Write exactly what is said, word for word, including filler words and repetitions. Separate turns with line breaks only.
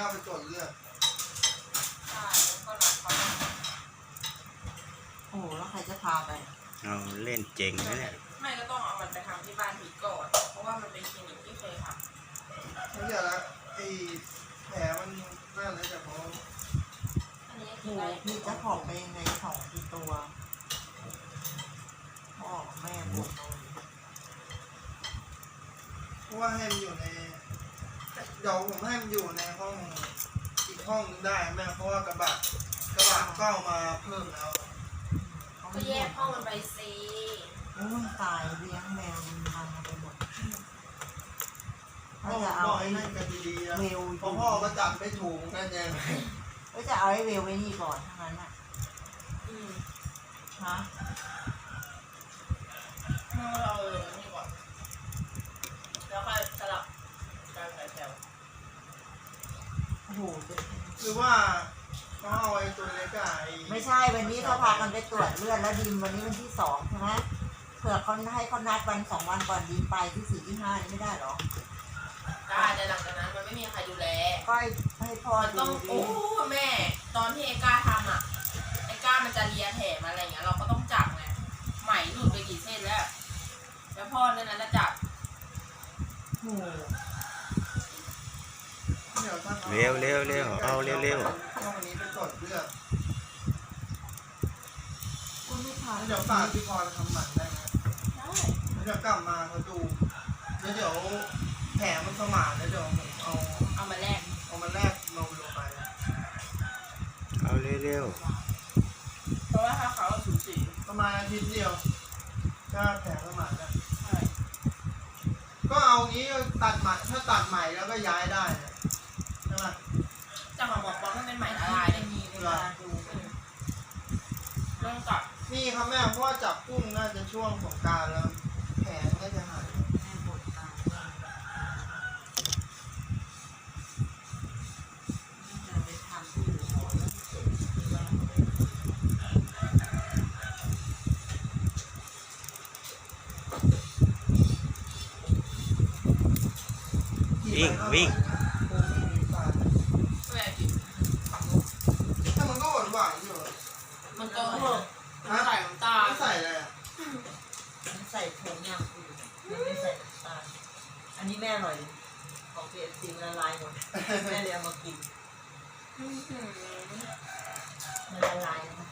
ไปตรวจเลือด
ใช่ก็หนักเขา
โอ้แล้วใครจะพาไป
เอาเล่นเจ๋งนะเนี่ย
ไม่ก็ต้องเอามันไปทำที่บ้านผีก่อนเพราะว่ามันเป็นคลินิกที่เคยทำ
ไม่ใช่ละไอ้แผลมันน่าจะจะเพราะ
อันนี้
โอ้พี่จะผอมไปยังไงสองที่ตัวพ่อแม่ปวด
เพราะว่าให้มันอยู่ในเดี๋ยวผมให้มันอยู่ในห้องอีกห้องนึงได้แม่เพราะว่ากระบะกระบะก็เอามาเพิ่มแล้ว
ก็แยกห้องมันไปสิ
โอ้ยตายเลี้ยงแมวมันพังไปหมด
พ่อจะเอาไอ้นั่นกันดีๆนะเพราะพ่อก็จับไม่ถูกนั่นเอง
ก็จะเอาไอ้เวลไว้นี่ก่อนทั้งนั้นอ่ะ
อืม
ฮะ
เมื่อเราเลยนี่ก่อนแล้วค่อยสลับการใส่แถว
โอ้โห
หรือว่าเขาเอาไอ้ตัวเล็กอะ
ไม่ใช่วันนี้เขาพากันไปตรวจเลือดแล้วดิมวันนี้วันที่สองใช่ไหมเผื่อเขาให้เขานัดวันสองวันก่อนดิมไปที่สี่ที่ห้านี่ไม่ได้หรอ
ได้แต่หลังจากนั้นมันไม่มีใครดูแล
ก็ให้พ่อ
ดูต้องโอ้แม่ตอนที่ไอ้ก้าทำอ่ะไอ้ก้ามันจะเลียแผลมาอะไรเงี้ยเราก็ต้องจับไงไหมหลุดไปกี่เส้นแล้วแล้วพ่อเนี่ยนั้นจะจับ
โอ้
เร็วเร็วเร็วเอาเร็วเร็ว
ห้องนี้ไปตรวจเลือด
ก็ไม่ทัน
เดี๋ยวฝากพี่พรทำหมันได้ไหม
ได้
เดี๋ยวกลับมาเขาดูแล้วเดี๋ยวแผลมันสมานแล้วเดี๋ยวผมเอา
เอามาแลก
เอามาแลกลงลงไป
เอาเร็วเร็ว
เพราะว่าถ้าเขาสูญสี
ประมาณอาทิตย์เดียวก็แผลสมานแล้ว
ใช่
ก็เอางี้ตัดใหม่ถ้าตัดใหม่แล้วก็ย้ายได้ใช่ไหม
จะมาบอกว่ามันเป็นไหมละลายได้มีเวลาดูเรื่องตัด
นี่ครับแม่เพราะว่าจับกุ้งน่าจะช่วงสงกรานต์แล้วแผลน่าจะหาย
วิ่งวิ่ง
ถ้ามันก็หวานหวานอยู่
มันก็ใส่น้ำตาล
ใส่อะไรอ่ะ
มันใส่ผงอย่างอื่นมันไม่ใส่น้ำตาลอันนี้แม่อร่อยของเพียรซีละลายหมดแม่เลยเอามากินมันละลายนะ